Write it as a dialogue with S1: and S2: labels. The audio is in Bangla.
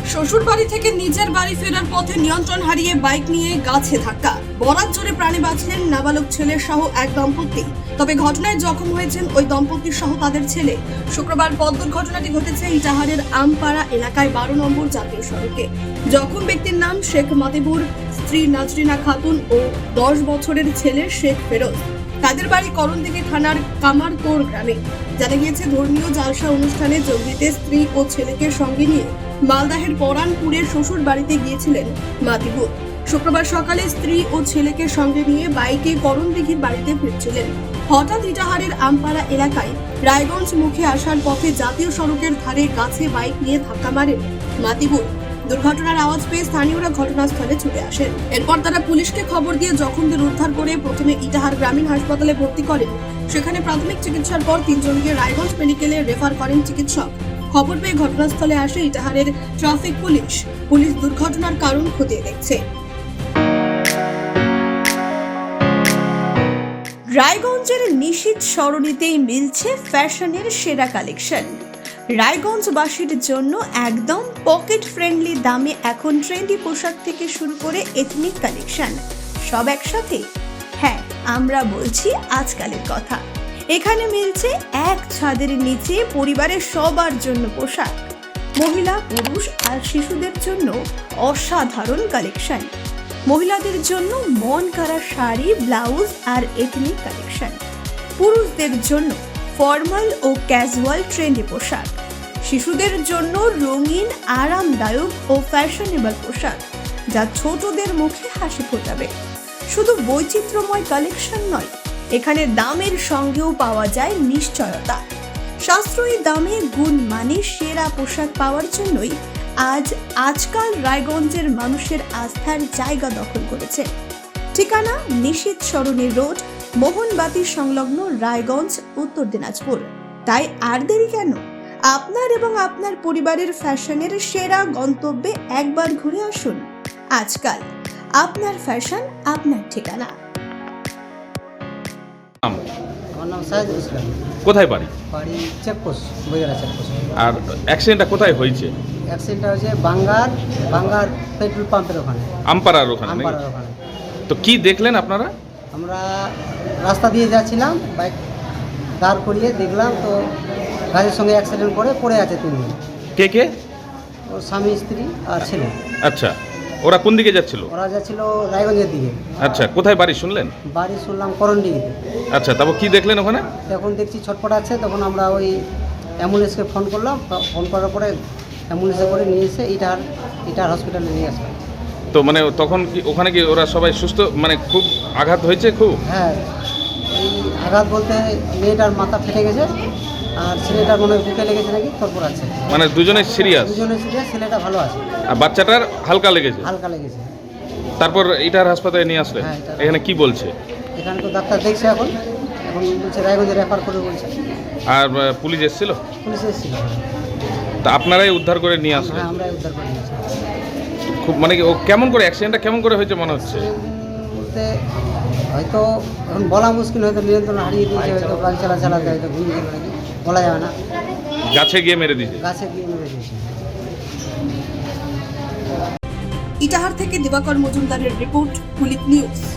S1: শ্বশুর বাড়ি থেকে নিজের বাড়ি ফেরার পথে নিয়ন্ত্রণ হারিয়ে বাইক নিয়ে গাছে ধাক্কা। বরাত জোরে প্রাণে বাঁচলেন নাবালক ছেলে সহ এক দম্পতি। তবে ঘটনায় জখম হয়েছেন ওই দম্পতি সহ তাদের ছেলে। শুক্রবার পথ দুর্ঘটনাটি ঘটেছে ইটাহারের আমপাড়া এলাকায় 12 নম্বর জাতীয় সড়কে। জখম ব্যক্তির নাম শেখ মাতিবুর, স্ত্রী নাজরিনা খাতুন ও 10 বছরের ছেলে শেখ ফেরোজ। তাদের বাড়ি করণদিঘি থানার কামারতোড় গ্রামে। জানা গিয়েছে, ধর্মীয় জালসা অনুষ্ঠানে যোগ দিতে স্ত্রী ও ছেলেকে সঙ্গে নিয়ে মালদাহের পরানপুরের শ্বশুর বাড়িতে গিয়েছিলেন মাতিবুর। শুক্রবার সকালে স্ত্রী ও ছেলেকে সঙ্গে নিয়ে বাইকে করণদিঘির বাড়িতে ফিরছিলেন। হঠাৎ ইটাহারের আমপাড়া এলাকায় রায়গঞ্জ মুখে আসার পথে জাতীয় সড়কের ধারে গাছে বাইক নিয়ে ধাক্কা মারেন মাতিবুর। দুর্ঘটনার আওয়াজ পেয়ে স্থানীয়রা ঘটনাস্থলে ছুটে আসেন। এরপর তারা পুলিশকে খবর দিয়ে জখমদের উদ্ধার করে প্রথমে ইটাহার গ্রামীণ হাসপাতালে ভর্তি করেন। সেখানে প্রাথমিক চিকিৎসার পর 3 জনকে রায়গঞ্জ মেডিকেলে রেফার করেন চিকিৎসক। খবর পেয়ে ঘটনাস্থলে আসে ইটাহারের ট্রাফিক পুলিশ। পুলিশ দুর্ঘটনার কারণ খতিয়ে দেখছে। রায়গঞ্জের নিশীথ সরণিতেই মিলছে ফ্যাশনের সেরা কালেকশন। রায়গঞ্জবাসীর জন্য একদম পকেট ফ্রেন্ডলি দামে এখন ট্রেন্ডি পোশাক থেকে শুরু করে এথনিক কালেকশন সব একসাথে। হ্যাঁ, আমরা বলছি আজকালের কথা। এখানে মিলছে এক ছাদের নিচে পরিবারের সবার জন্য পোশাক, মহিলা, পুরুষ আর শিশুদের জন্য অসাধারণ কালেকশন। মহিলাদের জন্য মন কাড়া শাড়ি, ব্লাউজ আর এথনিক কালেকশন। পুরুষদের জন্য ফর্মাল ও ক্যাজুয়াল ট্রেন্ডি পোশাক। শিশুদের জন্য রঙিন, আরামদায়ক ও ফ্যাশনেবল পোশাক, যা ছোটদের মুখে হাসি ফোটাবে। শুধু বৈচিত্র্যময় কালেকশন নয়, এখানে দামের সঙ্গেও পাওয়া যায় নিশ্চয়তা। সাশ্রয়ী দামে গুণমানের সেরা পোশাক পাওয়ার জন্যই আজকাল রায়গঞ্জের মানুষের আস্থার জায়গা দখল করেছে। ঠিকানা নিশীথ সরণি রোড, মোহনবাতি সংলগ্ন, রায়গঞ্জ, উত্তর দিনাজপুর। তাই আর দেরি কেন? আপনার এবং আপনার পরিবারের ফ্যাশনের সেরা গন্তব্যে একবার ঘুরে আসুন। আজকাল আপনার ফ্যাশন, আপনার ঠিকানা।
S2: আমার নাম সাইদুল ইসলাম।
S3: কোথায় বাড়ি?
S2: বাড়ি চেকপোস্ট, বইয়েরা চেকপোস্ট।
S3: আর অ্যাক্সিডেন্টটা কোথায় হয়েছে?
S2: অ্যাক্সিডেন্টটা হয়েছে বাঙ্গার পেট্রোল পাম্পের ওখানে,
S3: আমপাড়ার ওখানে নাকি?
S2: আমপাড়ার ওখানে।
S3: তো কি দেখলেন আপনারা?
S2: আমরা রাস্তা দিয়ে যাচ্ছিলাম, বাইক দাঁড় করিয়ে দেখলাম তো গাড়ির সঙ্গে অ্যাক্সিডেন্ট করে পড়ে আছে 3 জন।
S3: কে কে?
S2: ওর স্বামী, স্ত্রী আর ছেলে।
S3: আচ্ছা, ওরা কোন দিকে যাচ্ছিল?
S2: ওরা যাচ্ছিল রায়গঞ্জের দিকে।
S3: আচ্ছা, কোথায় বাড়ি শুনলেন?
S2: বাড়ি শুনলাম করণডিঘিতে।
S3: আচ্ছা, তারপর কি দেখলেন ওখানে?
S2: তখন দেখছি ছটপট আছে, তখন আমরা ওই অ্যাম্বুলেন্সকে ফোন করলাম। ফোন করার পরে অ্যাম্বুলেন্সে করে নিয়ে এসে ইটার হসপিটালে নিয়ে আসলাম।
S3: তো মানে তখন কি ওখানে কি ওরা সবাই সুস্থ, মানে খুব আঘাত হয়েছে খুব?
S2: হ্যাঁ, এই আঘাত বলতে মেয়েটার মাথা ফেটে গেছে আর ছেলেটার মনে হয় বুকে লেগেছে নাকি, তারপর আছে।
S3: মানে দুজনে সিরিয়াস?
S2: দুজনে সিরিয়াস, ছেলেটা ভালো আছে
S3: আর বাচ্চাটার হালকা লেগেছে?
S2: হালকা লেগেছে।
S3: তারপর এটার হাসপাতালে নিয়ে আসলেন?
S2: হ্যাঁ,
S3: এখানে কি বলছে?
S2: এখানে তো ডাক্তার দেখছে, এখন বলছে রায়গঞ্জে রেফার করে বলছে।
S3: আর পুলিশ এসেছিল?
S2: পুলিশ এসেছিল।
S3: তা আপনারাই উদ্ধার করে নিয়ে আসলেন?
S2: হ্যাঁ, আমরাই উদ্ধার করে নিয়েছি।
S3: খুব মানে কি ও কেমন করে অ্যাক্সিডেন্টটা কেমন করে হয়েছে মনে হচ্ছে?
S2: বলতে হয়তো এখন বলা মুশকিল, হয়তো নিয়ন্ত্রণ হারিয়ে দিয়েছে, হয়তো বাইক চালাতে হয়তো ঘুমিয়ে গেল নাকি, বলা যাবে না।
S3: গাছে গিয়ে মেরে দিয়েছে?
S2: গাছে গিয়ে মেরে দিয়েছে।
S1: ইটাহার থেকে দিবাকর মজুমদারের রিপোর্ট, কুলিক নিউজ।